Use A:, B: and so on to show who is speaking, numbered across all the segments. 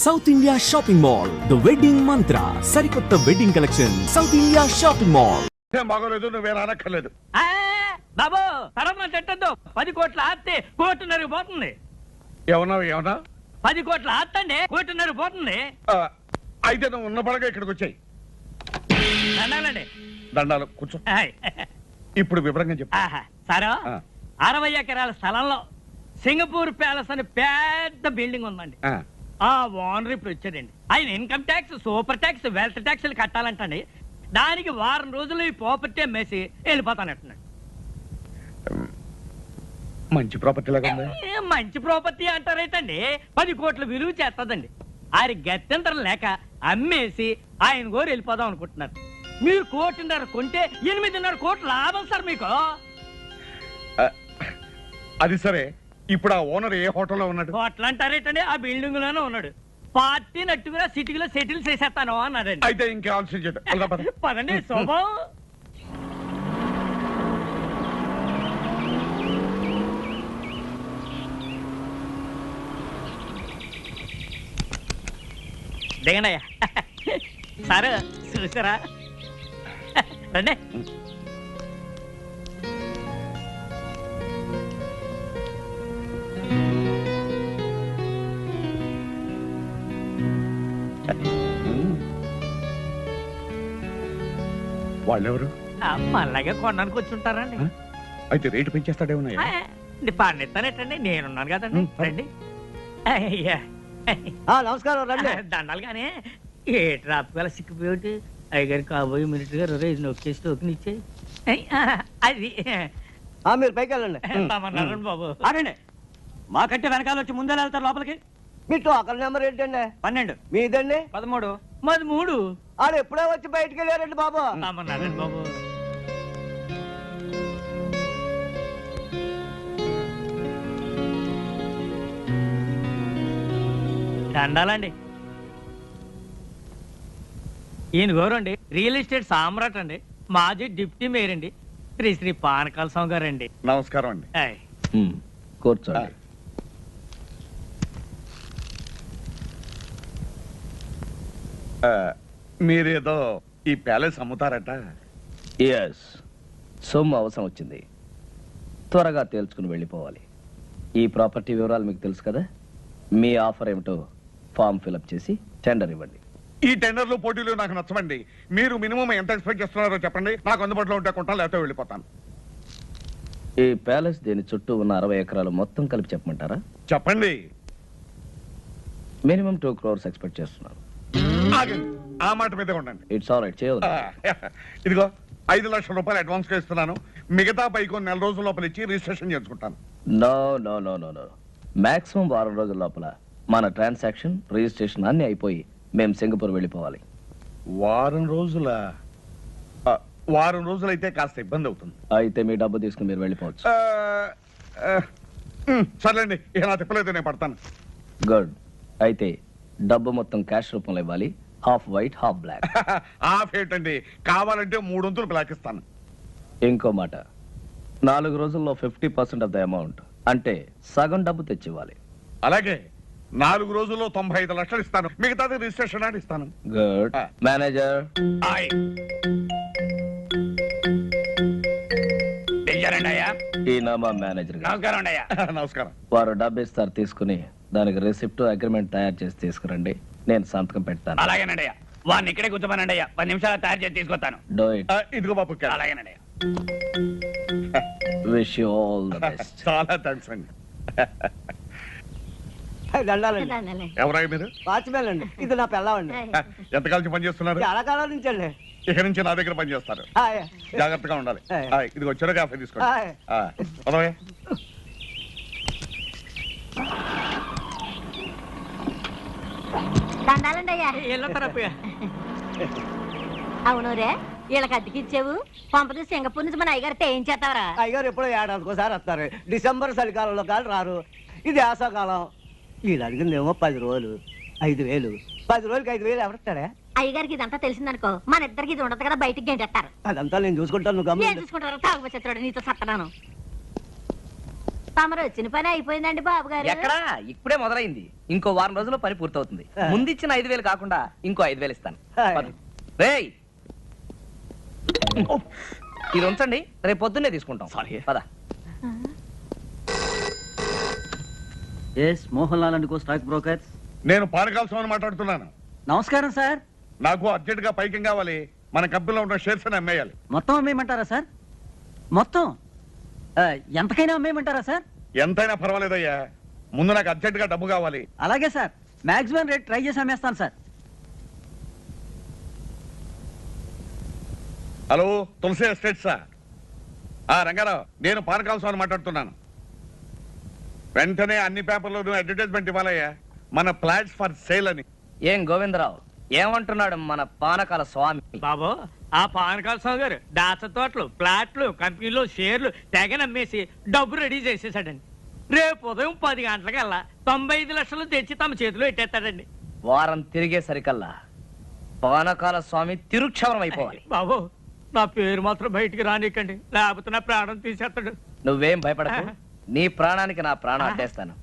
A: South India shopping mall the wedding Mantra సరికొత్త wedding collection South India shopping mall.
B: ఏం బాగోలేదు, నువ్వే రానక్కర్లేదు.
C: బాబు తరమ చెట్టద్దు 10 కోట్ల ఆస్తి కోటిన్నరకు పోతుంది.
B: ఏమన్నా
C: 10 కోట్ల ఆస్తి అండి కోటిన్నరకు పోతుంది.
B: అయితే నువ్వు ఉన్న పడగా ఇక్కడికి వచ్చాయి.
C: దండాలండి.
B: దండాలు కూర్చో. ఇప్పుడు వివరంగా చెప్పు.
C: సారా 60 ఎకరాల స్థలంలో సింగపూర్ ప్యాలెస్ అని పెద్ద బిల్డింగ్ ఉందండి. ఆ ఓనర్ ఇప్పుడు వచ్చాడండి. ఆయన income tax, super tax, wealth ట్యాక్స్లు కట్టాలంటండి. దానికి వారం రోజులు ఈ ప్రాపర్టీ అమ్మేసి వెళ్ళిపోతానంటున్నాడు.
B: మంచి ప్రాపర్టీ లాగా ఉంది.
C: మంచి ప్రాపర్టీ అంటారేటండి, 10 కోట్ల విలువ చేస్తుందండి. ఆయన గత్యంతరం లేక అమ్మేసి ఆయన గోరు వెళ్ళిపోదాం అనుకుంటున్నారు. మీరు 1.5 కోటి కొంటే 8.5 కోట్ల లాభం సార్ మీకు.
B: అది సరే, ఇప్పుడు ఆ ఓనర్ ఏ హోటల్లో ఉన్నాడు?
C: హోటల్ అంటారేటండి, ఆ బిల్డింగ్ లోనే ఉన్నాడు. పార్టీ నట్టుగా సిటీలో సెటిల్ చేసేస్తాను అన్నారండి.
B: అయితే ఇంకే ఆలోచించదు.
C: పదండి శోభం. దిగనయ్యా సార్, చూసారా? రండి.
B: వాళ్ళెవరు?
C: మళ్ళాగే కొనడానికి వచ్చి ఉంటారండి.
B: అయితే రేటు పెంచేస్తాడేమన్నా?
C: పండిస్తానేటండి, నేనున్నాను కదండి. రండి.
D: నమస్కారం. రండి.
C: దండాలు కానీ ఏ ట్రాఫిక్ వల్ల సిక్కిపోయి అయ్యగారు కాబోయే మినిట్ గారు నొక్కేసి టోకెన్ ఇచ్చే అది.
D: మీరు పైకి వెళ్ళండి.
C: బాబు
D: అనండి.
C: మాకంటే వెనకాల వచ్చి ముందే వెళ్తారు లోపలికి.
D: మీ టోకన్ నెంబర్ ఏంటండి?
C: 12.
D: మీదండి?
C: 13. మాది 3.
D: ఆడు ఎప్పుడో వచ్చి బయటికి వెళ్ళారండి బాబు.
C: బాబు దండాలండి. ఈయన గౌరండి రియల్ ఎస్టేట్ సామ్రాట్ అండి, మాజీ డిప్యూటీ మేయర్ అండి, శ్రీ పానకాల స్వామి గారు అండి.
B: నమస్కారం అండి.
D: కూర్చోండి.
B: మీరేదో ఈ ప్యాలెస్ అమ్ముతారట?
E: ఎస్, సొమ్ము అవసరం వచ్చింది, త్వరగా తేల్చుకుని వెళ్ళిపోవాలి. ఈ ప్రాపర్టీ వివరాలు మీకు తెలుసు కదా. మీ ఆఫర్ ఏమిటో ఫామ్ ఫిలప్ చేసి టెండర్ ఇవ్వండి.
B: ఈ టెండర్లు పోటీలు నాకు నచ్చమండి. మీరు మినిమం ఎంత ఎక్స్పెక్ట్ చేస్తున్నారో చెప్పండి. నాకు అందుబాటులో ఉంటే కొంటాను, లేకపోతే వెళ్ళిపోతాను.
E: ఈ ప్యాలెస్ దీని చుట్టూ ఉన్న 60 ఎకరాలు మొత్తం కలిపి చెప్పమంటారా?
B: చెప్పండి.
E: మినిమం 2 crores ఎక్స్పెక్ట్ చేస్తున్నాను.
B: ఆగండి, ఆ మాట మీదే ఉండండి.
E: ఇట్స్ ఆల్ రైట్, చేయదు.
B: ఇదిగో 5 లక్షల రూపాయలు అడ్వాన్స్ గా ఇస్తున్నాను. మిగతా పైకి 4 రోజుల లోపల ఇచ్చి రిజిస్ట్రేషన్ చేసుకుంటాను.
E: No no no no no, maximum 6 రోజుల లోపల మన ట్రాన్సాక్షన్, రిజిస్ట్రేషన్ అన్ని అయిపోయి మేము సింగపూర్ వెళ్ళిపోవాలి.
B: వారం రోజులైతే కాస్త ఇబ్బంది అవుతుంది.
E: అయితే మీ డబ్బు తీసుకుని మీరు వెళ్ళిపోవచ్చు.
B: సర్లేండి, ఇక నా తిప్పలేదు, నేను పడతాను.
E: గుడ్. అయితే డబ్బు మొత్తం క్యాష్ రూపంలో ఇవ్వాలి. Half white half black.
B: Half ఏంటండి, కావాలంటే 3 వంతులు బ్లాక్ ఇస్తాను.
E: ఇంకో మాట, 4 రోజుల్లో 50% ఆఫ్ ద అమౌంట్, అంటే సగం డబ్బు తెచ్చివ్వాలి.
B: అలాగే 4 రోజుల్లో 95 లక్షలు ఇస్తాను. మిగతాది రిజిస్ట్రేషన్ అని ఇస్తాను.
E: గుడ్. మేనేజర్. ఈయన మా మేనేజర్ గారు.
B: నమస్కారం.
E: వారు డబ్బు ఇస్తారు, తీసుకుని దానికి రిసిప్ట్, అగ్రిమెంట్ తయారు చేసి తీసుకురండి. నేను సంతకం పెడతాను.
C: అలాగేనండి. వాడిని ఇక్కడే కూర్చోమనండి. 10 నిమిషాలు తయారు చేసి తీసుకొస్తాను.
E: Do it.
B: ఇదిగో బాబు.
C: అలాగేనండి.
E: Wish you all the best.
B: చాలా థ్యాంక్స్ అండి.
D: దండాలండి.
B: ఎవరాయి మీరు?
D: వాచ్మెన్ అండి. ఇది నా పిల్లవండి.
B: ఎంతకాలం పని చేస్తున్నారు?
D: చాలా కాలం నుంచి అండి.
B: ఇక నుంచి నా దగ్గర పని చేస్తారు. జాగ్రత్తగా ఉండాలి. ఇది వచ్చారో కాఫీ తీసుకోండి.
F: అవును రే, వీళ్ళకి అద్దెకిచ్చావు. పంపది సింగపూర్ నుంచి మన అయ్యగారితో ఏం చేస్తావరా?
D: అయ్యగారు ఎప్పుడో ఏడాదికోసారి వస్తారు. డిసెంబర్ చలికాలంలో కాదు రారు. ఇది వేసవకాలం. వీళ్ళు అడిగిందేమో 10 రోజులు 5,000. 10 రోజులకి 5,000 ఎవరిస్తాడా?
F: అయ్యగారికి ఇదంతా తెలిసిందనుకో, మన ఇద్దరికి ఇది ఉండదు కదా, బయటికి గంటేస్తారు.
D: అదంతా నేను చూసుకుంటాను.
F: ఏం చూసుకుంటారు? తాగుబోచేస్తాడు, నీతో సత్తనాను. తమరు వచ్చిన పని అయిపోయిందండి బాబు గారు.
E: ఎక్కడా ఇప్పుడే మొదలైంది. ఇంకో వారం రోజుల్లో పని పూర్తవుతుంది. ముందిచ్చిన 5,000 కాకుండా ఇంకో 5,000 ఇస్తాను. పద. రేయ్ ఇది ఉంచండి, రేపు పొద్దున్నే తీసుకుంటాం. పద.
D: Mohan Lal and co stock brokers.
B: నేను పానకాల స్వామిని మాట్లాడుతున్నాను.
D: నమస్కారం సార్.
B: నాకు అర్జెంట్ గా పైకి కావాలి. మన కంపెనీలో ఉన్న షేర్స్ అని అమ్మేయాలి.
D: మొత్తం అమ్మేయమంటారా సార్? మొత్తం ఎంతకైనా అమ్మేయమంటారా సార్?
B: ఎంతైనా పర్వాలేదయ్యా, ముందు నాకు అర్జెంట్ గా డబ్బు కావాలి.
D: అలాగే సార్, మాక్సిమం రేట్ ట్రై చేసి అమ్మేస్తాను సార్.
B: హలో, తులసి ఎస్టేట్సా? రంగారావు, నేను పానకాల స్వామిని మాట్లాడుతున్నాను. వెంటనే అన్ని పేపర్లోనూ అడ్వర్టైజ్మెంట్ ఇవ్వాలయ్యా, మన ఫ్లాట్స్ ఫర్ సేల్ అని.
E: ఏం గోవిందరావు ఏమంటున్నాడు మన పానకాల స్వామి?
C: బాబు, ఆ పానకాల స్వామి గారు దాచ తోటలు, ప్లాట్లు, కంపెనీలు, షేర్లు తెగ నమ్మేసి డబ్బు రెడీ చేసేసాడండి. రేపు ఉదయం 10 గంటలకల్లా 95 లక్షలు తెచ్చి తమ చేతిలో పెట్టేస్తాడండి.
E: వారం తిరిగేసరికల్లా పానకాల స్వామి తిరుక్షవరం అయిపోవాలి.
C: బాబు, నా పేరు మాత్రం బయటికి రానికండి, లేకపోతే నా ప్రాణం తీసేస్తాడు.
E: నువ్వేం భయపడకు, నీ ప్రాణానికి నా ప్రాణం అడ్డేస్తాను.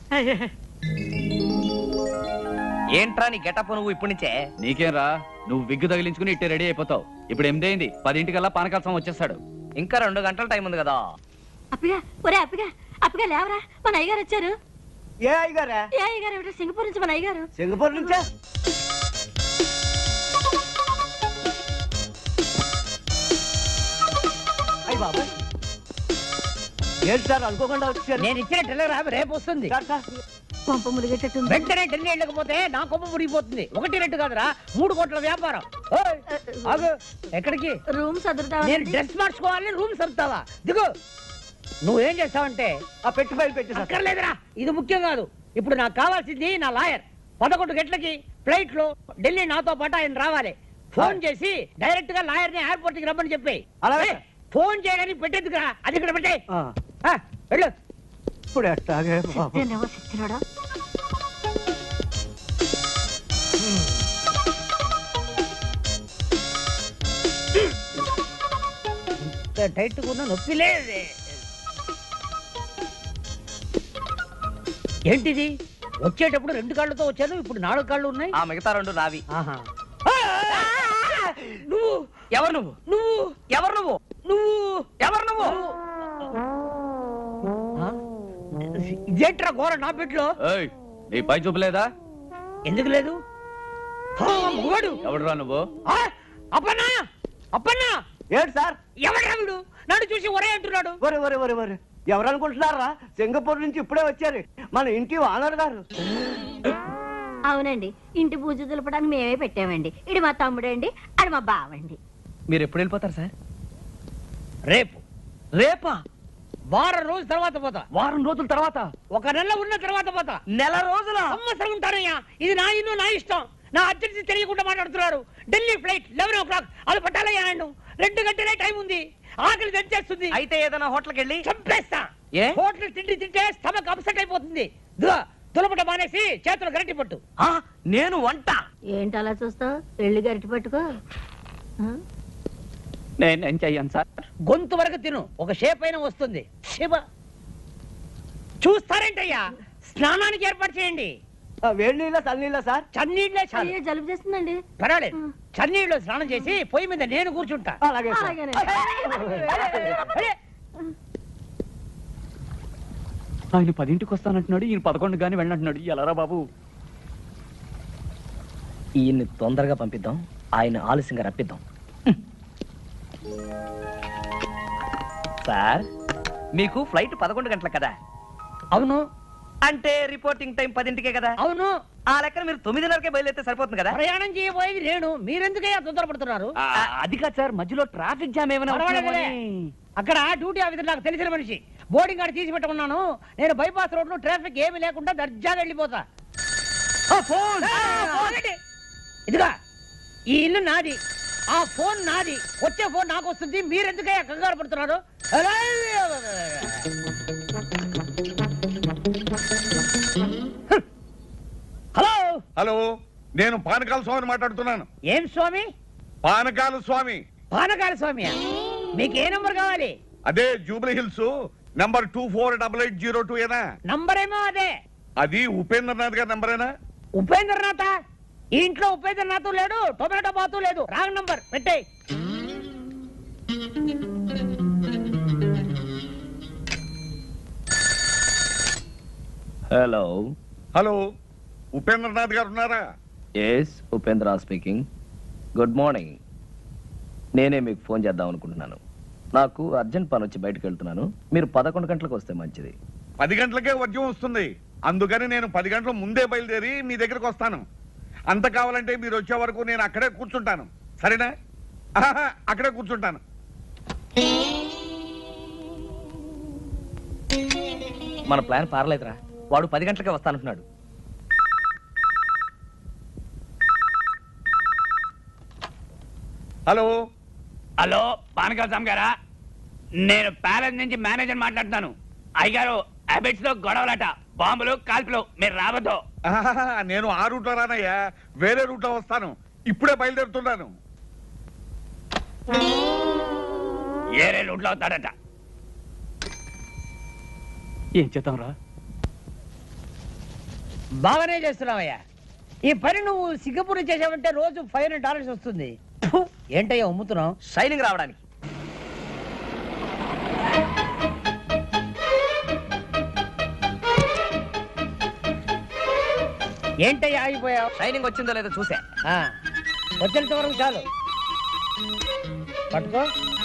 E: ఏంట్రా నీ గెటప్ నువ్వు ఇప్పటి నుంచే?
G: నీకేం రా, నువ్వు విగ్గు తగిలించుకుని ఇట్టే రెడీ అయిపోతావు. ఇప్పుడు 8 అయింది, 10 పానకాల స్వామి వచ్చేస్తాడు.
E: ఇంకా 2 గంటల టైం ఉంది కదా.
F: అప్పగా ఒరే అప్పగా లేవరా, మన అయ్యగారు వచ్చారు.
D: ఏ అయ్యగారా?
F: ఏ అయ్యగారు ఏమిటో సింగపూర్ నుంచి మన అయ్యగారు.
D: సింగపూర్ నుంచా? అయ్య బాబా, ఏంటి సార్ అనుకోకుండా వచ్చారు?
H: నేను ఇచ్చిన టెలిగ్రామ్ రేపు వస్తుంది.
D: సార్ సార్,
F: పంప మురిగేటట్టుంది.
H: వెంటనే ఢిల్లీ వెళ్ళకపోతే నా కొమ్మ మురిగిపోతుంది. 1 2 కాదురా, 3 కోట్ల వ్యాపారం. ఓయ్, ఆగు. ఎక్కడికి?
F: రూమ్
H: నేను
F: సదురుతావా?
H: డ్రెస్ మార్చుకోవాలని రూమ్ సర్దుతావా? దిగు. నువ్వేం చేస్తావంటే
D: ఆ పెట్టి ఫైల్ పెట్టి సార్.
H: అక్కర్లేదురా, ఇది ముఖ్యం కాదు. ఇప్పుడు నాకు కావాల్సింది నా లాయర్. 11 గంటలకి ఫ్లైట్ లో ఢిల్లీ నాతో పాటు ఆయన రావాలి. ఫోన్ చేసి డైరెక్ట్ గా లాయర్ ని ఎయిర్పోర్ట్ కి రమ్మని చెప్పి.
D: అలాగే.
H: ఫోన్ చేయడానికి పెట్టేందుకురా, అది ఇక్కడ పెట్టే.
D: ఆ,
H: వెళ్ళు.
D: ఇప్పుడు ఎట్టాగే బాబు.
F: సిద్ధనేవో సిచ్చినోడా.
H: టైట్ కూడా నొప్పి లేదు. ఏంటిది? వచ్చేటప్పుడు 2 కాళ్ళతో వచ్చాను, ఇప్పుడు 4 కాళ్ళు ఉన్నాయి.
E: ఆ మిగతా 2 నావి.
H: ఆహా. నువ్వు
E: ఎవరు నువ్వు?
H: నువ్వు
E: ఎవరు నువ్వు?
H: నువ్వు
E: ఎవరు నువ్వు?
H: ఇదేంట్రా ఘోర నా పెట్లో?
G: ఏయ్, నీ పై చూపలేదా?
H: ఎందుకు లేదు? మగవాడు
G: ఎవడురా నువ్వు?
H: అప్పన్నా అప్పన్నా,
D: ఏంటి సార్?
H: ఎవడ్రా వీడు? నన్ను చూసి ఒరే అంటున్నాడు.
D: ఒరే ఒరే ఒరే ఒరే, ఎవరు అనుకుంటున్నారా? సింగపూర్ నుంచి ఇప్పుడే వచ్చారు మన ఇంటి ఓనర్ గారు.
F: అవునండి, ఇంటి పూజ దులపడానికి మేమే పెట్టామండి. ఇడు మా తమ్ముడండి, అది మా బావండి.
E: మీరు ఎప్పుడు వెళ్ళిపోతారు సార్?
H: రేపు.
E: రేపా?
H: వారం రోజుల తర్వాత పోతా.
E: వారం రోజుల తర్వాత?
H: 1 నెల ఉన్న తర్వాత పోతా.
E: నెల రోజుల?
H: సంవత్సరం ఉంటానయ్యా. ఇది నా ఇల్లు, నా ఇష్టం. నా అర్జెన్సీ తెలియకుండా మాట్లాడుతున్నారు. Delhi flight 11 o'clock. అది పట్టాలయ్యా ఆయన. 2 గంటలే టైం ఉంది. ఆకలి తెచ్చేస్తుంది.
E: అయితే ఏదైనా హోటల్కి వెళ్ళి
H: చంపేస్తా.
E: ఏ?
H: హోటల్ తిండి తింటే స్టమక్ అప్సెట్ అయిపోతుంది. దులపట మానేసి చేతులు గరిటి పట్టు.
E: నేను వంట?
F: ఏంటి అలా చూస్తావు? వెళ్ళి గరిటి పట్టుకో. ఆ?
G: నేనేం చెయ్యను సార్.
H: గొంతు వరకు తిను, ఒక షేప్ అయినా వస్తుంది. శివ చూస్తారేంటయ్యా, స్నానానికి ఏర్పాటు చేయండి.
D: వేడి నీళ్ళ చల్లనీళ్ళ సార్?
H: చన్నీళ్ళే చాలు.
F: అయ్యో, జలుబు చేస్తుందండి.
H: పర్వాలేదు, చన్నీళ్ళు స్నానం చేసి పొయ్యి మీద నేను కూర్చుంటా.
D: అలాగే సార్.
F: అలాగేనండి.
H: అరే,
G: ఆయన 10ంటికి వస్తానంటున్నాడు, ఈయన 11 గానీ వెళ్ళంటున్నాడు. ఎలారా బాబు?
E: ఈయన్ని తొందరగా పంపిద్దాం, ఆయన ఆలస్యంగా రప్పిద్దాం. సార్, మీకు ఫ్లైట్ 11 గంటలకు కదా?
H: అవును
E: అంటే రిపోర్టింగ్ టైం 10ంటికే కదా?
H: అవును.
E: ఆ లెక్కన మీరు 9:30కే బయలుదేరితే సరిపోతుంది కదా?
H: ప్రయాణం చేయబోయేది నేను, మీరెందుకయ్యా తొందరపడుతున్నారు?
G: అది కాదు సార్, మధ్యలో ట్రాఫిక్ జామ్ ఏమైనా
H: పర్వాలేదులే. అక్కడ డ్యూటీ ఆఫీసర్ నాకు తెలిసిన మనిషి, బోర్డింగ్ కార్డు తీసి పెట్టమన్నాను. నేను బైపాస్ రోడ్ లో ట్రాఫిక్ ఏమి లేకుండా దర్జాగా వెళ్ళిపోతా. ఇదిగా ఈ ఇల్లు నాది, ఆ ఫోన్ నాది. వచ్చే ఫోన్ నాకు వస్తుంది, మీరెందుకయ్యా కంగారు పడుతున్నారు? హలో
B: హలో, నేను పానకాల స్వామిని మాట్లాడుతున్నాను.
H: ఏం స్వామి?
B: పానకాల స్వామి.
H: పానకాల స్వామి. మీకు ఏ నంబర్ కావాలి?
B: అదే జూబ్లీ హిల్స్ నంబర్ 248802 ఏనా?
H: నంబర్ ఏమో అదే.
B: అది ఉపేంద్రనాథ్ గారి నంబరేనా?
H: ఉపేంద్రనాథ్ ఈ ఇంట్లో ఉపేంద్రనాథ్ లేడు, టొమాటో బాతు లేదు. రాంగ్ నంబర్ పెట్టే.
E: హలో.
B: హలో, ఉపేంద్రనాథ్ గారు ఉన్నారా?
E: Yes, Upendra speaking. Good morning. నేనే మీకు ఫోన్ చేద్దాం అనుకుంటున్నాను. నాకు అర్జెంట్ పని వచ్చి బయటకు వెళ్తున్నాను. మీరు 11 గంటలకు వస్తే మంచిది.
B: 10 గంటలకే వర్జం వస్తుంది. అందుకని నేను 10 గంటల ముందే బయలుదేరి మీ దగ్గరకు వస్తాను. అంత కావాలంటే మీరు వచ్చే వరకు నేను అక్కడే కూర్చుంటాను. సరేనా? ఆహా, అక్కడే కూర్చుంటాను.
E: మన ప్లాన్ పారలేదురా. వాడు 10 గంటలకే వస్తానంటున్నాడు.
B: హలో.
G: హలో, పానకాల స్వామి గారా? నేను ప్యాలెస్ నుంచి మేనేజర్ మాట్లాడుతున్నాను. అయ్యగారు, హ్యాబిట్స్ లో గొడవలట, బాంబులు, కాల్పులు. మీరు రావద్దు.
B: ఆహాహా, నేను ఆ రూట్లో రానయ్యా, వేరే రూట్లో వస్తాను. ఇప్పుడే బయలుదేరుతున్నాను.
G: ఏరే రూట్లో అవుతాడట.
C: ఏం చేద్దాం రా?
H: బాగానే చేస్తున్నావయ్యా. ఈ పని నువ్వు సింగపూర్ చేసావంటే రోజు $500 వస్తుంది. ఫు, ఏంటయ్యా అమ్ముతున్నావు?
E: షైనింగ్ రావడానికి.
H: ఏంటయ్యా ఆగిపోయావు?
E: షైనింగ్ వచ్చిందో లేదో చూసా.
H: ఆ, వచ్చేంత వరకు చాలు. పట్టుకో.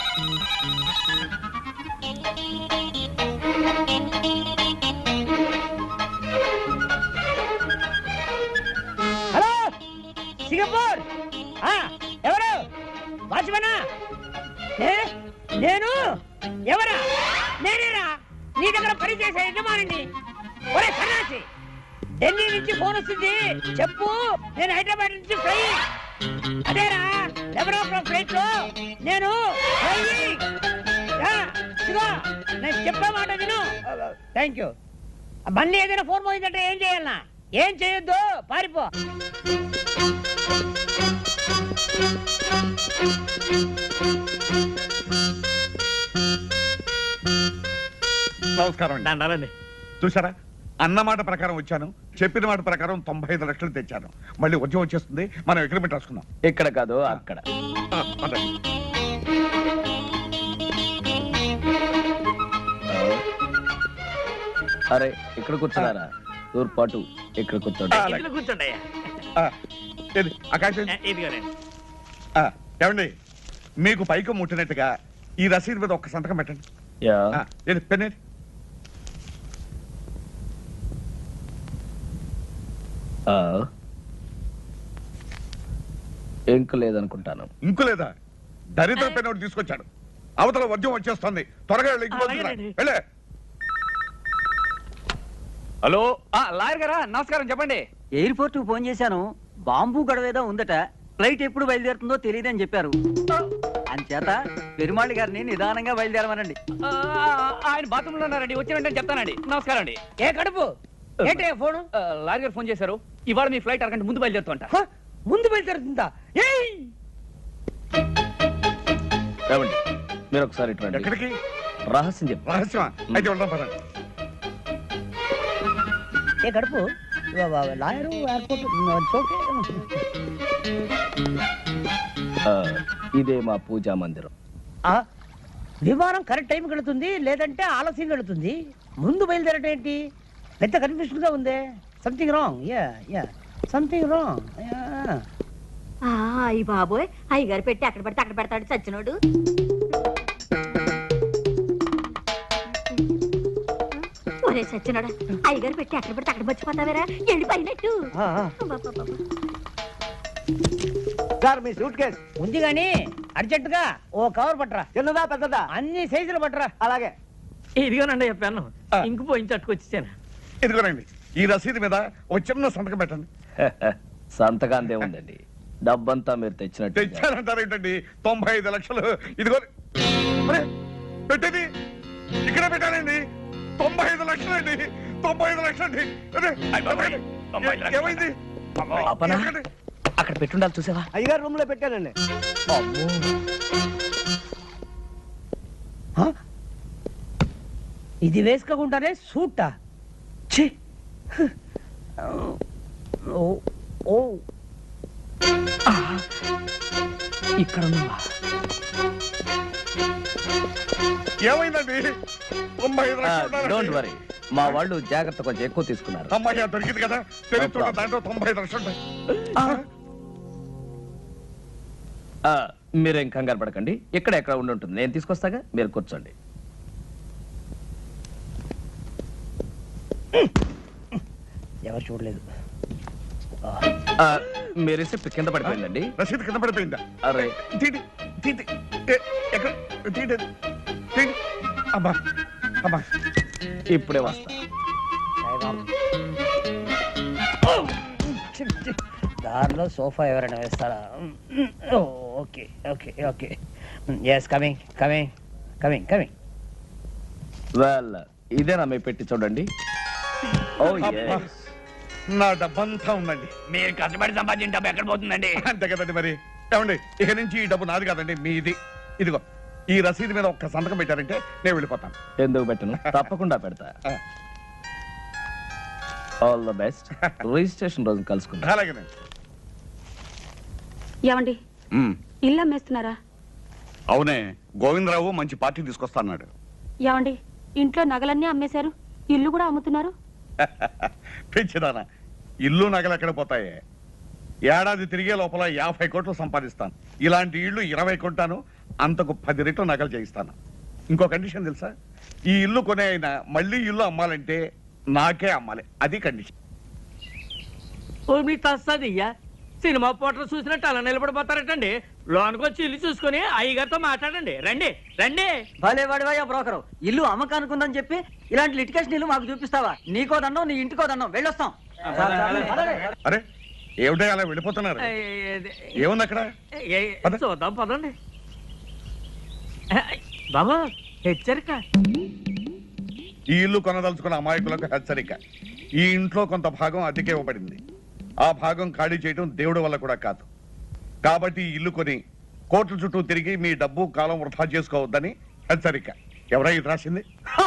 H: Hello, Singapore. ఎవరు? వాచ్మనా? నేను ఎవరా? నేనేరా నీ దగ్గర పనిచేసే యజమానిని. ఒరే సన్నాసి, ఢిల్లీ నుంచి ఫోన్ వస్తుంది, చెప్పు. నేను హైదరాబాద్ నుంచి ఫ్లై. అదేరా, 11 ఫ్లైట్ లో నేను నేను చెప్పే మాట విను. Thank you. మళ్ళీ ఏదైనా ఫోన్ పోయిందంటే ఏం చేయాలనా? ఏం చేయొద్దు, పారిపో.
B: నమస్కారం అండి.
C: దండాలండి.
B: చూసారా, అన్నమాట ప్రకారం వచ్చాను, చెప్పిన మాట ప్రకారం 95 లక్షలు తెచ్చాను. మళ్ళీ వర్జం వచ్చేస్తుంది, మనం అగ్రిమెంట్ రాసుకుందాం.
E: ఇక్కడ కాదు, అక్కడ.
B: పదండి.
E: అరే, ఇక్కడ కూర్చున్నారా? తూర్పాటు ఇక్కడ కూర్చోండి.
C: ఇందులో కూర్చోండి అయ్యా.
B: ఏది, ఆ కాగితం?
C: ఇదిగోనండి.
B: ఏమండి, మీకు పైకి ముట్టినట్టుగా ఈ రసీదు మీద ఒక్క సంతకం పెట్టండి.
E: యా.
B: ఏది, పెన్నేది?
E: ఇంకు లేదనుకుంటాను.
B: ఇంకు లేదా? దరిద్ర పెన్ ఒకటి తీసుకొచ్చాడు. అవతల వర్జం వచ్చేస్తుంది, త్వరగా వెళ్ళు, ఇంటికి
C: అలాగేనండి.
B: వెళ్ళే.
G: హలో, లాయర్ గారా? నమస్కారం, చెప్పండి.
I: ఎయిర్పోర్ట్ ఫోన్ చేశాను. బాంబు గడవేదో ఉందట. ఫ్లైట్ ఎప్పుడు బయలుదేరుతుందో తెలియదని చెప్పారు. అంచేత పెరుమాళి గారిని నిదానంగా బయలుదేరమనండి.
G: ఆయన బాత్రూమ్ లో ఉన్నారండి, వచ్చిన వెంటనే చెప్తానండి. నమస్కారం అండి.
H: ఏ కడుపు ఏంటయ్యా ఫోను?
G: లాయర్ గారు ఫోన్ చేశారు. ఇవాళ మీ ఫ్లైట్ అరగంట ముందు బయలుదేరుతుంట.
H: హ, ముందు బయలుదేరుతుందా? ఏయ్!
E: ఏమండి, మీరు ఒకసారి ఇటు రండి.
B: ఎక్కడికి?
E: రహస్యం చెప్పు.
B: రహస్యమా? అయితే వెళ్దాం పదండి.
H: ఏ కడుపు లాయరు ఎయిర్పోర్ట్ ఓకే.
E: ఇదే మా పూజా మందిరం.
H: విమానం కరెక్ట్ టైంకి వెళుతుంది, లేదంటే ఆలస్యంగా వెళుతుంది. ముందు బయలుదేరటం ఏంటి? పెద్ద కన్ఫ్యూషన్ గా ఉందే. Something wrong. Yeah something wrong.
F: అయ్యి బాబోయ్, అయ్యగారు పెట్టి అక్కడ పడితే అక్కడ పెడతాడు చచ్చినోడు. ఒరే చచ్చినోడా, అయ్యగారు పెట్టి అక్కడ పడితే అక్కడ మర్చిపోతావేరా? ఎండిపోయినట్టు.
D: సార్, మీ సూట్ కేసు
H: ఉంది గాని అర్జెంట్ గా ఓ కవర్ పట్టరా.
D: చిన్నదా పెద్దదా?
H: అన్ని సైజులు పట్టరా.
D: అలాగే.
C: ఇదిగోనండి చెప్పాను. ఇంకు పోయించి అట్టుకొచ్చాను.
B: ఇదిగోనండి, ఈ రసీదు మీద ఒక చిన్న సంతకం పెట్టండి.
E: సంతకాంతే ఉందండి. డబ్బంతా మీరు తెచ్చినట్టు.
B: తెచ్చానంటారేంటండి? 95 లక్షలు. ఇదిగో పెట్టేది ఇక్కడే పెట్టానండి. 95 లక్షలండి. 95 లక్షలండి. ఏమైంది?
E: పాపనా? అక్కడ పెట్టుండాలి, చూసావా?
D: అయ్యగారు రూమ్ లో పెట్టానండి.
H: ఇది వేసుకోకుండానే సూటా ఛీ ఓ ఓ ఇక్కడ ఉన్నావా
B: ఏమైందండి? 95 లక్షలు
E: డోంట్
B: ఉన్నారండి.
E: వరీ, మా వాళ్ళు జాగ్రత్త కొంచెం ఎక్కువ తీసుకున్నారు.
B: అమ్మాయి దొరికింది కదా, తెలుస్తుంటే దాంట్లో 95 లక్షలు ఉంటాయి.
E: మీరేం కంగారు పడకండి, ఇక్కడ ఎక్కడ ఉండి ఉంటుంది, నేను తీసుకొస్తాగా, మీరు కూర్చోండి.
H: ఎవరు చూడలేదు.
E: మీ రిసిప్ట్ కింద పడిపోయిందండి.
B: రసీదు కింద పడిపోయిందా?
E: అరే
B: తీటి తీటి ఎక్కడ తీటి తీటి అబ్బా అబ్బా
E: ఇప్పుడే వస్తా.
H: దారిలో సోఫా ఎవరైనా వేస్తారా? Okay okay okay yes coming coming coming coming.
E: Well, ఇదేనా మీ పెట్టి చూడండి. ఓ
B: అబ్బా. నా డబ్బంతా ఉందండి.
G: మీరు కష్టపడి సంపాదించిన డబ్బు ఎక్కడ పోతుందండి?
B: అంతే కదండి మరి. ఏమండి, ఇక నుంచి ఈ డబ్బు నాది కాదండి, మీది. ఇదిగో ఈ రసీదు మీద ఒక్క సంతకం పెట్టారంటే నేను వెళ్ళిపోతాను.
E: ఎందుకు పెట్టను, తప్పకుండా పెడతా. All the best. రిజిస్ట్రేషన్ రోజు కలుసుకుందాం.
B: అలాగేనండి.
J: ఏమండి ఇల్లు అమ్మేస్తున్నారా?
B: అవునే, గోవిందరావు మంచి పార్టీ తీసుకొస్తాన్నాడు.
J: ఏమండి ఇంట్లో నగలన్నీ అమ్మేశారు, ఇల్లు కూడా అమ్ముతున్నారు?
B: పెంచిదానా, ఇల్లు నగలు ఎక్కడ పోతాయి? ఏడాది తిరిగే లోపల 50 కోట్లు సంపాదిస్తాను. ఇలాంటి ఇల్లు 20 కొంటాను, అంతకు 10 రెట్లు నగలు చేయిస్తాను. ఇంకో కండిషన్ తెలుసా? ఈ ఇల్లు కొనే అయినా మళ్ళీ ఇల్లు అమ్మాలంటే నాకే అమ్మాలి, అది కండిషన్.
C: ఓ మీ తస్సదియ్యా, సినిమా పోటర్ చూసినట్టు అలా నిలబడిపోతారటండి. లోనికి వచ్చి ఇల్లు చూసుకుని అయ్యగారితో మాట్లాడండి. రండి రండి.
I: భలే వాడివయ్యా బ్రోకరు, ఇల్లు అమ్మకానుకుందని చెప్పి ఇలాంటి లిటికేషన్ ఇల్లు మాకు చూపిస్తావా? నీకో దండం, నీ ఇంటికో దండం, వెళ్ళొస్తాం.
B: అరే ఏమిటో అలా వెళ్ళిపోతున్నారు? ఏముంది అక్కడ? పద.
C: చూద్దాం పదండి. బాబా హెచ్చరిక,
B: ఈ ఇల్లు కొనదలుచుకున్న అమాయకులకు హెచ్చరిక. ఈ ఇంట్లో కొంత భాగం అద్దెకే ఇవ్వబడింది. ఆ భాగం ఖాళీ చేయడం దేవుడి వల్ల కూడా కాదు. కాబట్టి ఈ ఇల్లు కొని కోర్టు చుట్టూ తిరిగి మీ డబ్బు కాలం వృధా చేసుకోవద్దని హెచ్చరిక. ఎవరై ఇది రాసింది?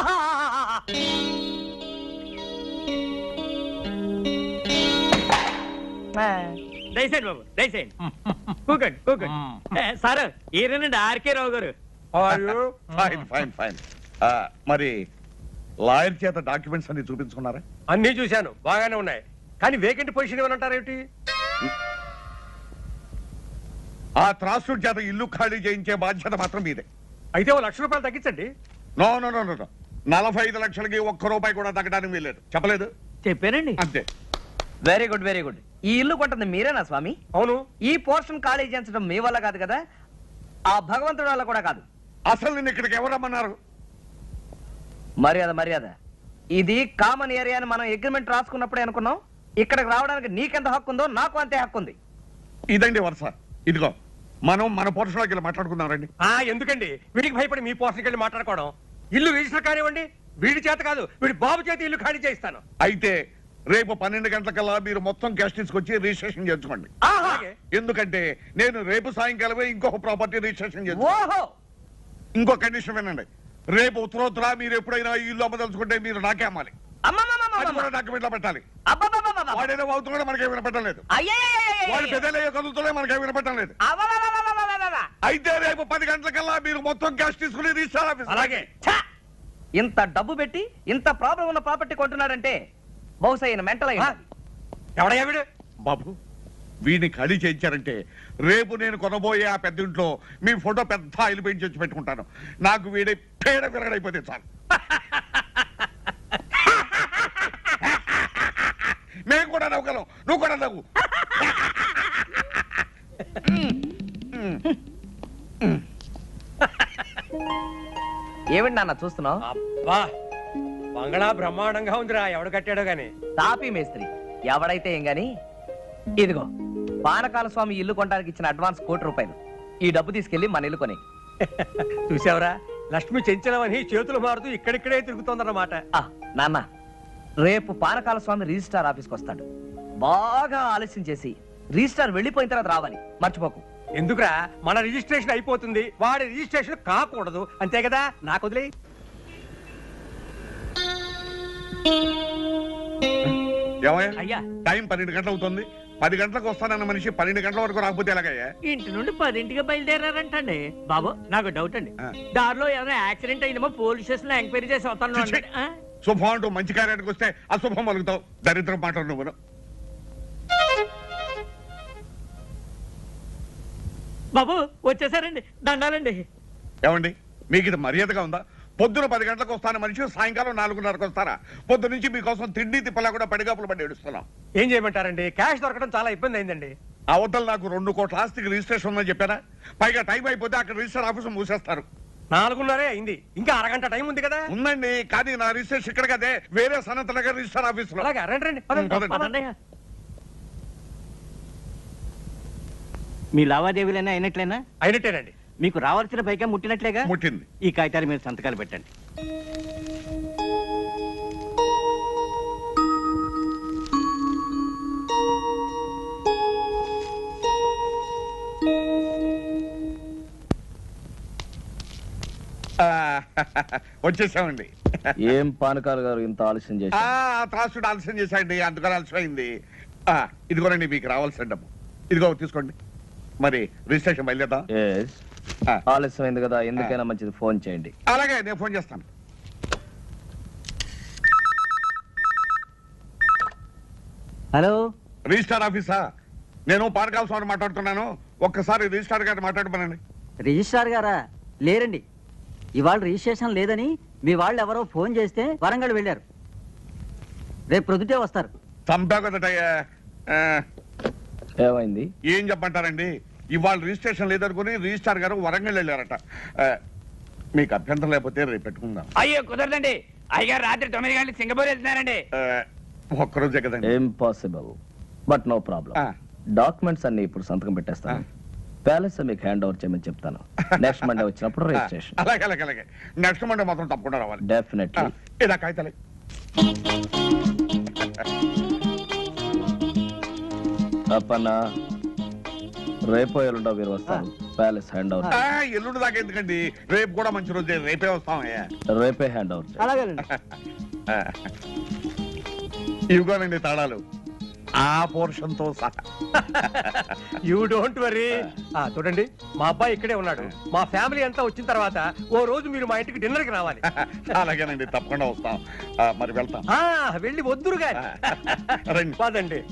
C: దయచేయండి బాబు, దయచేయండి. కూకండి కూకండి. సార్ ఈయనండి ఆర్కే రావు గారు.
B: Fine fine fine. మరి లాయర్ చేత డాక్యుమెంట్స్ అన్ని చూపించుకున్నారా?
K: అన్ని చూశాను, బాగానే ఉన్నాయి. కానీ వేకెంట్ పొజిషన్ ఏమంటారేమిటి?
B: ఆ త్రాసుడి చేత ఇల్లు ఖాళీ చేయించే బాధ్యత మాత్రం మీదే.
K: అయితే 1 లక్ష రూపాయలు తగ్గించండి.
B: నో నో నో నో 45 లక్షలకి 1 రూపాయి కూడా తగ్గడానికి వీల్లేదు. చెప్పలేదు?
C: చెప్పానండి.
B: అంతే.
E: Very good very good. ఈ ఇల్లు కొంటుంది మీరేనా స్వామి?
K: అవును.
E: ఈ పోర్షన్ ఖాళీ చేయించడం మీ వల్ల కాదు కదా, ఆ భగవంతుడి వల్ల కూడా కాదు.
B: అసలు నిన్ను ఇక్కడికి ఎవరు రమ్మన్నారు?
E: మర్యాద మర్యాద. ఇది కామన్ ఏరియా అని మనం అగ్రిమెంట్ రాసుకున్నప్పుడే అనుకున్నాం. ఇక్కడికి రావడానికి నీకెంత హక్కు ఉందో నాకు అంతే హక్కు ఉంది.
B: ఇదండి వరుస. ఇదిగో మనం మన పోర్షన్లోకి వెళ్ళి మాట్లాడుకుందాం రండి.
K: ఎందుకండి వీడికి భయపడి మీ పోర్షన్కి వెళ్ళి మాట్లాడుకోవడం? ఇల్లు రిజిస్టర్ కానివ్వండి, వీడి చేత కాదు, వీడి బాబు చేత ఇల్లు ఖాళీ చేయిస్తాను.
B: అయితే రేపు 12 గంటలకల్లా మీరు మొత్తం క్యాష్ తీసుకొచ్చి రిజిస్ట్రేషన్ చేసుకోండి.
K: అలాగే.
B: ఎందుకంటే నేను రేపు సాయంకాలమే ఇంకొక ప్రాపర్టీ రిజిస్ట్రేషన్ చేస్తాను.
E: ఓహో,
B: ఇంకో కండిషన్ వినండి. రేపు ఉత్తరోత్తర మీరు ఎప్పుడైనా ఈ ఇల్లు అమ్మదలుచుకుంటే మీరు నాకే అమ్మాలి. అది కూడా డాక్యుమెంట్ లో పెట్టాలి. వాడేదో అవుతున్నాడో మనకేమి వినపడటం లేదు. వాడు పెద్దలయ్యే కదులుతున్నాయి, మనకేమి వినపడటం లేదు. అయితే రేపు 10 గంటలకల్లా మీరు మొత్తం క్యాష్ తీసుకుని రిజిస్టర్ ఆఫీస్.
K: అలాగే.
E: ఇంత డబ్బు పెట్టి ఇంత ప్రాబ్లం ఉన్న ప్రాపర్టీ కొంటున్నాడంటే బహుశా ఈయన మెంటల్ అయ్యి.
K: ఎవడయ్యా వీడు?
B: బాబు, వీడిని ఖాళీ చేయించారంటే రేపు నేను కొనబోయే ఆ పెద్ద ఇంట్లో మీ ఫోటో పెద్ద ఆయిల్ పెయింట్ చేసి పెట్టుకుంటాను. నాకు వీడి పేడ విరగడైపోతే చాలు. మేము కూడా నవ్వుగలం, నువ్వు కూడా నవ్వు.
E: ఏమిటి నాన్న చూస్తున్నావు?
K: అబ్బా, బంగళా బ్రహ్మాండంగా ఉందిరా. ఎవడు కట్టాడో గాని.
E: తాపీ మేస్త్రి ఎవడైతే ఏం గాని. ఇదిగో పానకాల స్వామి ఇల్లు కొనడానికి ఇచ్చిన అడ్వాన్స్ ₹1,00,00,000. ఈ డబ్బు తీసుకెళ్లి మన ఇల్లు కొని.
K: చూసావరా, లక్ష్మి చెంచలమని చేతులు మారుతూ ఇక్కడిక్కడే తిరుగుతోందన్నమాట.
E: నాన్న, రేపు పానకాల స్వామి రిజిస్ట్రార్ ఆఫీస్కి వస్తాడు. బాగా ఆలస్యం చేసి రిజిస్ట్రార్ వెళ్ళిపోయిన తర్వాత రావాలి, మర్చిపోకు.
K: ఎందుకురా, మన రిజిస్ట్రేషన్ అయిపోతుంది, వాడి రిజిస్ట్రేషన్ కాకూడదు, అంతే కదా. నాకు వదిలే.
B: ఏమయ్యా
C: అయ్యా
B: టైం 12 గంటలు అవుతుంది. 10 గంటలకు వస్తానన్న మనిషి 12 గంటల వరకు రాకపోతే ఎలాగయ్యా?
C: ఇంటి నుండి 10ంటికి బయలుదేరారంటండి. బాబు నాకు డౌట్ అండి, దారిలో ఏమైనా యాక్సిడెంట్ అయిందేమో పోలీస్ స్టేషన్ లో ఎంక్వైరీ చేసి వస్తాను.
B: శుభం అంటూ మంచి కార్యానికి వస్తే అశుభం మలుగుతావు. దరిద్రం మాటలు నువ్వు.
C: బాబు వచ్చేసారండి, దండాలండి.
B: ఏమండి మీకు ఇది మర్యాదగా ఉందా? పొద్దున 10 గంటలకు వస్తాను మనిషి సాయంకాలం 4:30కు వస్తారా? పొద్దు నుంచి మీకోసం తిండి తిప్పలా కూడా పడిగాపులు పడి ఏడుస్తున్నాం.
K: ఏం చేయమంటారండి? క్యాష్ దొరకడం చాలా ఇబ్బంది అయిందండి.
B: అవతల నాకు 2 కోట్ల ఆస్తికి రిజిస్ట్రేషన్ ఉందని చెప్పారా? పైగా టైం అయిపోతే అక్కడ రిజిస్టర్ ఆఫీస్ మూసేస్తారు.
K: 4:30 అయింది, ఇంకా అరగంట టైం ఉంది కదా.
B: ఉందండి, కానీ నా రిజిస్ట్రేషన్ ఇక్కడ కదే, వేరే సనత్ నగర్ రిజిస్టర్ ఆఫీస్ లో.
K: అలాగే రండి రండి, పదండి.
C: పదండి.
D: మీ లావాదేవీలైనా అయినట్లేనా?
K: అయినట్టేనండి.
D: మీకు రావాల్సిన పైగా ముట్టినట్లేగా?
B: ముట్టింది.
D: ఈ కాగితాలు మీరు సంతకాలు పెట్టండి.
B: వచ్చేసామండి.
E: ఏం పానకాలు గారు ఇంత ఆలస్యం చేసి?
B: త్రాసుడు ఆలస్యం చేశాండి, అందుకని ఆలస్యమైంది. ఇదిగోనండి మీకు రావాల్సిన డబ్బు. ఇదిగో తీసుకోండి. మరి రిజిస్ట్రేషన్ బయలుదేద్దాం.
E: ఆలస్యమైంది కదా, ఎందుకైనా మంచిది ఫోన్ చేయండి.
B: అలాగే నేను ఫోన్ చేస్తాను.
D: హలో,
B: రిజిస్టార్ ఆఫీసా? నేను పానకాల స్వామి మాట్లాడుతున్నాను. ఒక్కసారి రిజిస్టార్ గారిని మాట్లాడమనండి.
I: రిజిస్ట్రార్ గారా? లేరండి, ఇవాళ రిజిస్ట్రేషన్ లేదని మీ వాళ్ళు ఎవరో ఫోన్ చేస్తే వరంగల్ వెళ్ళారు. రేపు ప్రొద్దుటే వస్తారు.
B: చంపావు కదటయ్యా.
E: ఏమైంది?
B: ఏం చెప్పంటారండి, ఇవాళ రిజిస్ట్రేషన్ లేదనుకుని రిజిస్టార్ గారు వరంగల్ వెళ్ళారట. మీకు అభ్యంతరం లేకపోతే రేపు పెట్టుకుందాం.
G: అయ్యో కుదరదండి, అయ్యగారు రాత్రి 9 గంటలకు సింగపూర్ వెళ్తున్నారండి.
B: ఒక్కరోజే కదండి.
E: Impossible, but no problem. Documents అన్ని ఇప్పుడు సంతకం పెట్టేస్తాను. ప్యాలెస్ మీకు హ్యాండ్ ఓవర్ చేయమని చెప్తాను. నెక్స్ట్ మండే వచ్చినప్పుడు రిజిస్ట్రేషన్.
B: అలాగే అలాగే అలాగే. నెక్స్ట్ మండే మాత్రం తప్పకుండా రావాలి.
E: డెఫినెట్లీ.
B: ఇలా కాగితాలే.
E: అప్పన్నా రేపో ఎల్లుండో మీరు వస్తాను. Palace hand over.
B: ఎల్లుండి దాకా ఎందుకండి, రేపు కూడా మంచి రోజే, రేపే వస్తాం.
E: రేపే హ్యాండ్ ఓవర్.
D: అలాగేనండి.
B: ఇవిగోనండి తాళాలు, ఆ పోర్షన్ తో సహా.
K: You don't worry. చూడండి, మా అబ్బాయి ఇక్కడే ఉన్నాడు. మా ఫ్యామిలీ అంతా వచ్చిన తర్వాత ఓ రోజు మీరు మా ఇంటికి డిన్నర్ కి రావాలి.
B: అలాగేనండి, తప్పకుండా వస్తాం. మరి వెళ్తాం.
K: వెళ్ళి వద్దురుగా
B: రండి.
K: పదండి.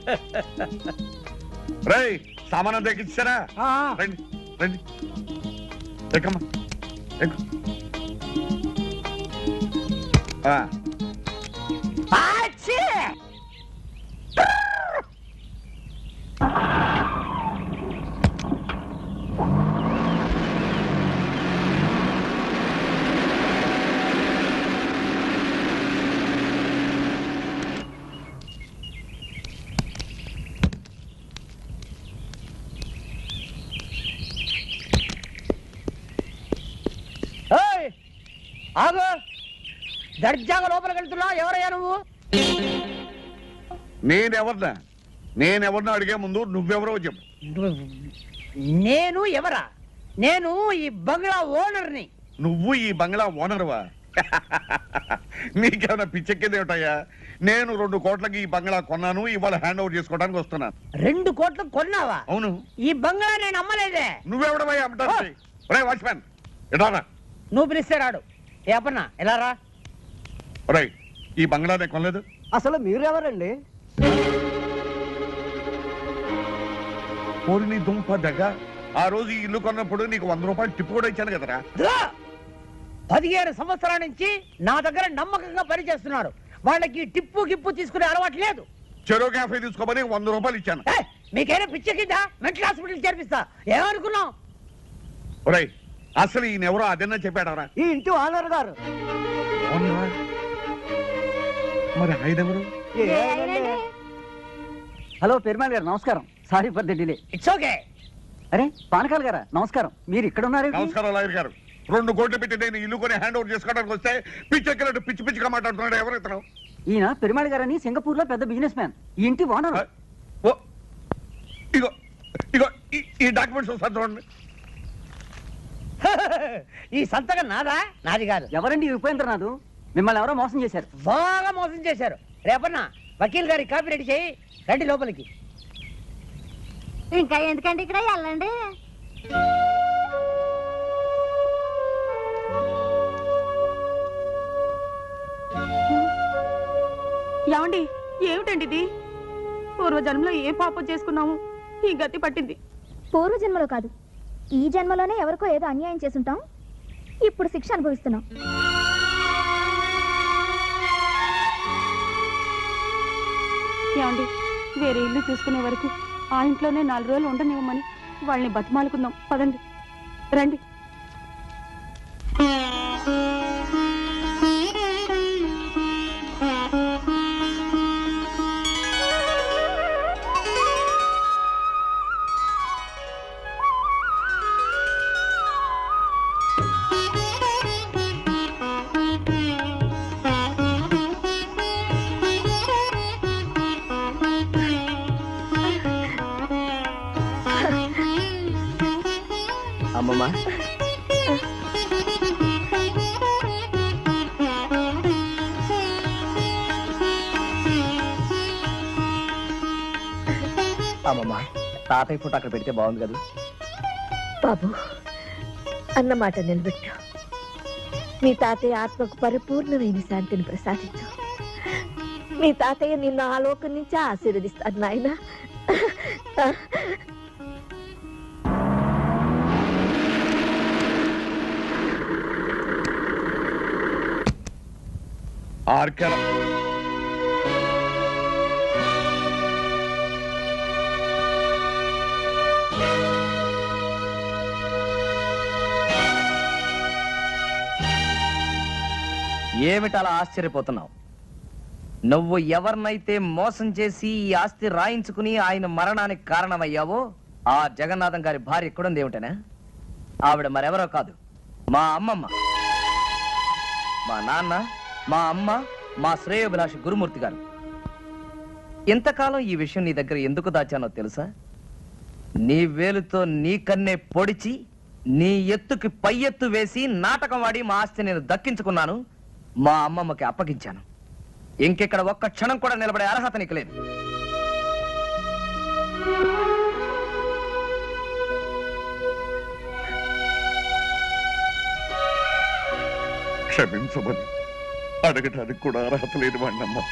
B: రై సామానం తెచ్చిచ్చారా? రండి రండి, ఎక్కమ్మా ఎక్కు.
H: ఆగు, దర్జాగా లోపలికి వెళ్తున్నావు. ఎవరయ్యా నువ్వు?
B: నేనెవరినో అడిగే ముందు నువ్వెవరో చెప్పు.
H: నేను ఎవరా? నేను ఈ బంగ్లా ఓనర్ని.
B: నువ్వు ఈ బంగ్లా ఓనర్వా? నీకేమైనా పిచ్చెక్కింది ఏమిటయ్యా? నేను 2 కోట్లకి ఈ బంగ్లా కొన్నాను, ఇవాళ హ్యాండ్ ఓవర్ చేసుకోవడానికి వస్తున్నాను.
H: 2 కోట్లకు కొన్నావా?
B: అవును.
H: ఈ బంగ్లా నేను అమ్మలేదే.
B: నువ్వెవడమయ్యా అమ్మటానికి? ఒరేయ్ వాచ్మ్యాన్, ఎడారా?
H: నువ్వు పిలిస్తే రాడు. ఏ అప్పన్నా ఎలా రా?
B: ఒరేయ్, ఈ బంగ్లా నేను కొనలేదు.
D: అసలు మీరెవరండి?
B: నీ దుంప దగ్గ, ఆ రోజు ఈ ఇల్లు కొన్నప్పుడు నీకు 100 రూపాయలు టిప్పు కూడా ఇచ్చాను కదరా.
H: 15 సంవత్సరాల నుంచి నా దగ్గర నమ్మకంగా పనిచేస్తున్నారు. వాళ్ళకి టిప్పు గిప్పు తీసుకునే అలవాటు లేదు.
B: చెరో క్యాఫే తీసుకోమని 100 రూపాయలు ఇచ్చాను.
H: మీకైనా పిచ్చెక్కిందా? Mental hospital చేర్పిస్తా. ఏమనుకున్నావు?
B: ఒరేయ్, అసలు ఈయన ఎవరో అదన్నా చెప్పాడవరా?
D: ఈ ఇంటి ఓనర్ గారు.
B: మరి ఆయన ఎవరు?
I: హలో పెరుమాళ్ గారు, నమస్కారం. Sorry for the delay.
H: It's okay.
I: అరే పానకాల్ గారా, నమస్కారం. మీరు ఇక్కడ ఉన్నారు?
B: నమస్కారం లాయర్ గారు. 2 కోట్లు పెట్టి నేను ఇల్లు కొని హ్యాండ్ ఓవర్ చేసుకోవడానికి వస్తే పిచ్చెక్కినట్టు పిచ్చి పిచ్చిగా మాట్లాడుతున్నాడు. ఎవరు ఇతను?
I: ఈయన పెరుమాళ్ గారని సింగపూర్ లో పెద్ద బిజినెస్ మ్యాన్. ఈ ఇంటి ఓనర్.
B: ఓ, ఇగో ఇగో ఈ డాక్యుమెంట్స్ ఒకసారి చూడండి.
H: ఈ సంతకం నాదా? నాది కాదు.
I: ఎవరండి ఉపేంద్రనాథ్? మిమ్మల్ని ఎవరో మోసం చేశారు.
H: బాగా మోసం చేశారు. రేపన్నా వకీల్ గారి కాపీ రెడీ చేయి, రండి లోపలికి.
F: ఇంకా ఎందుకండి ఇక్కడ వెళ్ళండి.
J: ఏమండి, ఏమిటండి ఇది? పూర్వజన్మలో ఏ పాపం చేసుకున్నాము, ఈ గతి పట్టింది.
L: పూర్వజన్మలో కాదు, ఈ జన్మలోనే ఎవరికో ఏదో అన్యాయం చేసుంటాం, ఇప్పుడు శిక్ష అనుభవిస్తున్నాం.
J: ఏమండి, వేరే ఇల్లు చూసుకునే వరకు ఆ ఇంట్లోనే 4 రోజులు ఉండనివ్వమని వాళ్ళని బతిమాలుకుందాం. పదండి, రండి.
E: అమ్మమ్మ, అమ్మమ్మ, తాతయ్య ఫోటో అక్కడ పెడితే బాగుంది కదా.
F: బాబు, అన్నమాట నిలబెట్టు. మీ తాతయ్య ఆత్మకు పరిపూర్ణమైన శాంతిని ప్రసాదించు. మీ తాతయ్య నిన్ను ఆ లోకం నుంచి ఆశీర్వదిస్తాడు నాయన.
B: ఆర్కెల
E: ఏమిటలా ఆశ్చర్యపోతున్నావు? నువ్వు ఎవరినైతే మోసం చేసి ఈ ఆస్తి రాయించుకుని ఆయన మరణానికి కారణమయ్యావో ఆ జగన్నాథం గారి భార్య ఎక్కడుంది ఏమిటనా? ఆవిడ మరెవరో కాదు, మా అమ్మమ్మ. మా నాన్న, మా అమ్మ, మా శ్రేయోభిలాషి గురుమూర్తి గారు. ఇంతకాలం ఈ విషయం నీ దగ్గర ఎందుకు దాచానో తెలుసా? నీ వేలుతో నీ కన్నే పొడిచి నీ ఎత్తుకి పై ఎత్తు వేసి నాటకం వాడి మా ఆస్తి నేను దక్కించుకున్నాను, మా అమ్మమ్మకి అప్పగించాను. ఇంకెక్కడ ఒక్క క్షణం కూడా నిలబడే అర్హత నీకు లేదు.
B: క్షమించమని అడగటానికి కూడా అర్హత లేని వాడినమ్మా.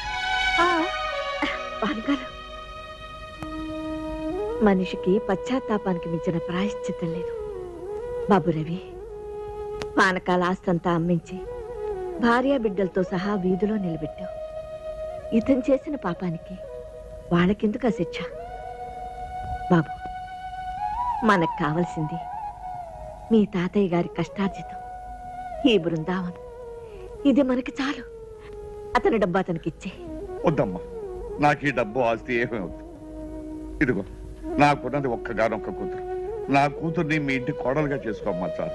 F: మనిషికి పశ్చాత్తాపానికి మించిన ప్రాయశ్చిత్తం లేదు బాబు రవి. పానకాల ఆస్తంతా అమ్మించి భార్య బిడ్డలతో సహా వీధిలో నిలబెట్టావు. ఇతను చేసిన పాపానికి వాళ్ళకెందుకు ఆ శిక్ష? బాబు, మనకు కావలసింది మీ తాతయ్య గారి కష్టార్జితం, ఈ బృందావనం. ఇది మనకి చాలు. అతని డబ్బు అతనికి ఇచ్చే.
B: వద్దమ్మా, నాకు ఈ డబ్బు ఆస్తి ఏమీ వద్దు. ఇదిగో నాకున్నది ఒక్కగానొక్క కూతురు. నా కూతుర్ని మీ ఇంటి కోడలుగా చేసుకోమ్మా చాలు.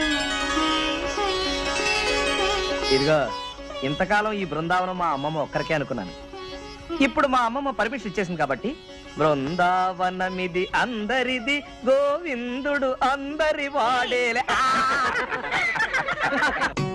E: ఇదిగో, ఇంతకాలం ఈ బృందావనం మా అమ్మమ్మ ఒక్కరికే అనుకున్నాను. ఇప్పుడు మా అమ్మమ్మ పర్మిషన్ ఇచ్చేసింది కాబట్టి బృందావనమిది అందరిది, గోవిందుడు అందరి వాడేలే.